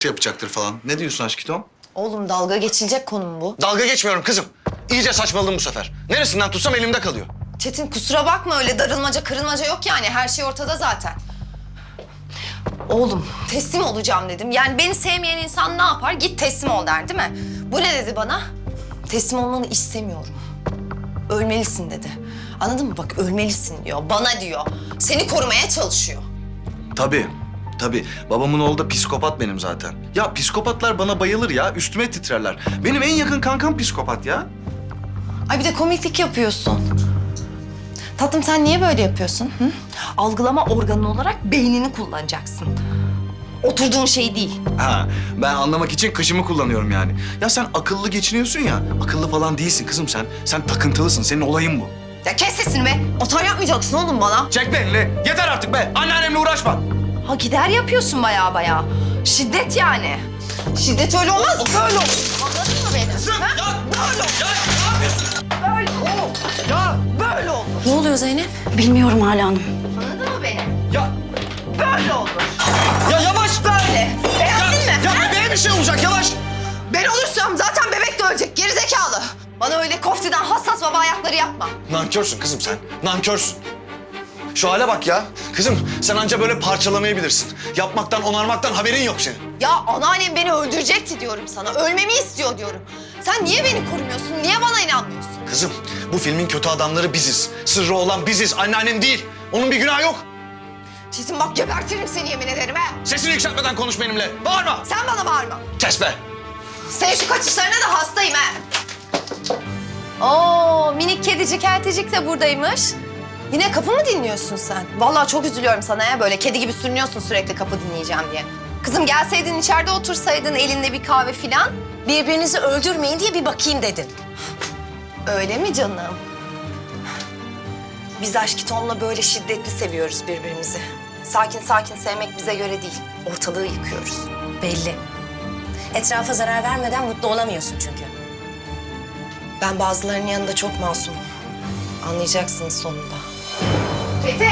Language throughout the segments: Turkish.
yapacaktır falan. Ne diyorsun aşkım? Oğlum dalga geçilecek konu mu bu? Dalga geçmiyorum kızım. İyice saçmaladım bu sefer. Neresinden tutsam elimde kalıyor. Çetin kusura bakma öyle darılmaca kırılmaca yok yani. Her şey ortada zaten. Oğlum teslim olacağım dedim. Yani beni sevmeyen insan ne yapar? Git teslim ol der değil mi? Bu ne dedi bana? Teslim olmanı istemiyorum. Ölmelisin dedi. Anladın mı? Bak ölmelisin diyor. Bana diyor. Seni korumaya çalışıyor. Tabii. Tabii. Babamın oğlu da psikopat benim zaten. Ya psikopatlar bana bayılır ya. Üstüme titrerler. Benim en yakın kankam psikopat ya. Ay bir de komiklik yapıyorsun. Tatlım sen niye böyle yapıyorsun? Hı? Algılama organı olarak beynini kullanacaksın. Oturduğun şey değil. Ha, ben anlamak için kışımı kullanıyorum yani. Ya sen akıllı geçiniyorsun ya. Akıllı falan değilsin kızım sen. Sen takıntılısın. Senin olayın bu. Ya kes sesini be. Otar yapmayacaksın oğlum bana. Çek be elini. Yeter artık be. Anneannemle uğraşma. Ha gider yapıyorsun baya baya. Şiddet yani. Şiddet öyle olmaz, böyle olur. Anladın mı beni? Kızım Ha? ya. Böyle olur. Ya ne yapıyorsun? Böyle olur. Ya. Böyle olur. Ne oluyor Zeynep? Bilmiyorum hala hanım. Anladın mı beni? Ya. Böyle olur. Ya yavaş. Böyle. Beğendin mi? Ya ha? bebeğe bir şey olacak yavaş. Ben olursam zaten bebek de ölecek. Gerizekalı. Bana öyle koftiden hassas baba ayakları yapma. Nankörsün kızım sen. Nankörsün. Şu hale bak ya. Kızım sen anca böyle parçalamayı bilirsin. Yapmaktan, onarmaktan haberin yok senin. Ya anneannem beni öldürecekti diyorum sana. Ölmemi istiyor diyorum. Sen niye beni korumuyorsun? Niye bana inanmıyorsun? Kızım bu filmin kötü adamları biziz. Sırrı olan biziz, anneannem değil. Onun bir günahı yok. Çetin bak gebertirim seni yemin ederim ha. Sesini yükseltmeden konuş benimle. Bağırma. Sen bana bağırma. Kes be. Senin şu kaçışlarına da hastayım ha. Oo minik kedicik elticik de buradaymış. Yine kapı mı dinliyorsun sen? Vallahi çok üzülüyorum sana ya. Böyle kedi gibi sürünüyorsun sürekli kapı dinleyeceğim diye. Kızım gelseydin içeride otursaydın elinde bir kahve filan. Birbirinizi öldürmeyin diye bir bakayım dedin. Öyle mi canım? Biz aşk Tom'la böyle şiddetli seviyoruz birbirimizi. Sakin sakin sevmek bize göre değil. Ortalığı yıkıyoruz. Belli. Etrafa zarar vermeden mutlu olamıyorsun çünkü. Ben bazılarının yanında çok masumum. Anlayacaksınız sonunda. Fethi!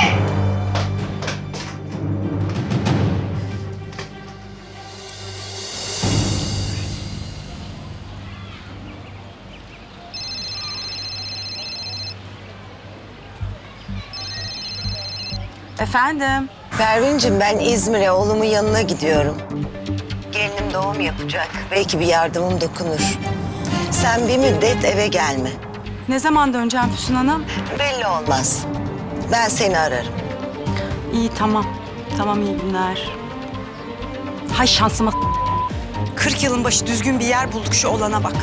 Efendim? Pervin'cim ben İzmir'e oğlumun yanına gidiyorum. Gelinim doğum yapacak. Belki bir yardımım dokunur. Sen bir müddet eve gelme. Ne zaman döneceğim Füsun Hanım? Belli olmaz. Ben seni ararım. İyi tamam. Tamam iyi günler. Hay şansıma 40 yılın başı düzgün bir yer bulduk şu olana bak.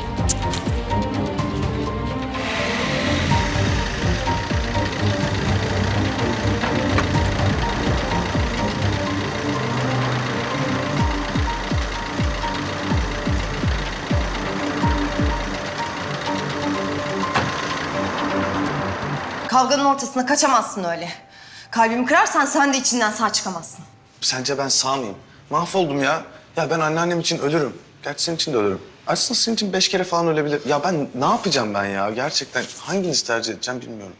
Kavganın ortasına kaçamazsın öyle. Kalbimi kırarsan sen de içinden sağ çıkamazsın. Sence ben sağ mıyım? Mahvoldum ya. Ya ben anneannem için ölürüm. Gerçi senin için de ölürüm. Aslında senin için 5 kere falan ölebilir. Ya ben ne yapacağım ben ya? Gerçekten hanginizi tercih edeceğim bilmiyorum.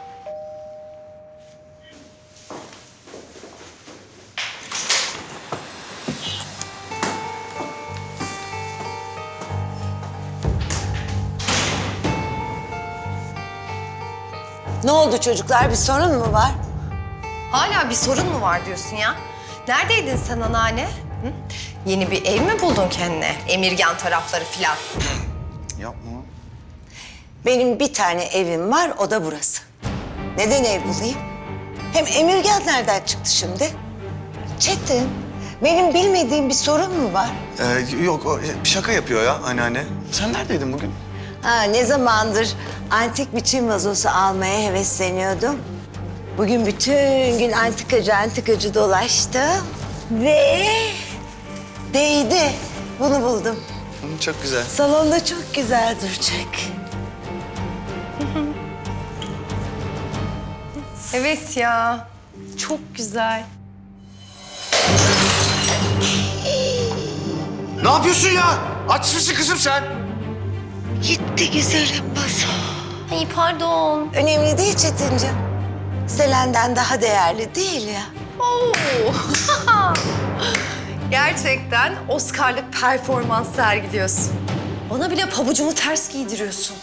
Ne oldu çocuklar? Bir sorun mu var? Hala bir sorun mu var diyorsun ya? Neredeydin sen anneanne? Hı? Yeni bir ev mi buldun kendine? Emirgan tarafları filan. Yapma. Benim bir tane evim var, o da burası. Neden ev bulayım? Hem Emirgan nereden çıktı şimdi? Çetin, benim bilmediğim bir sorun mu var? Yok o şaka yapıyor ya anneanne. Sen neredeydin bugün? Ha, ne zamandır antik bir Çin vazosu almaya hevesleniyordum. Bugün bütün gün antikacı dolaştım ve değdi. Bunu buldum. Çok güzel. Salonda çok güzel duracak. Evet ya. Çok güzel. Ne yapıyorsun ya? Aç mısın kızım sen? Gitti güzelim vazo. Ay pardon. Önemli değil Çetinciğim. Selen'den daha değerli değil ya. Oo. Gerçekten Oscar'lık performans sergiliyorsun. Bana bile pabucumu ters giydiriyorsun.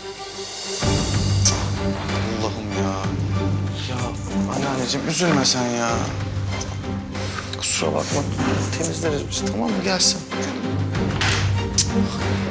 Allah'ım ya. Ya anneanneciğim üzülme sen ya. Kusura bakma. Temizleriz biz, tamam mı? Gelsin.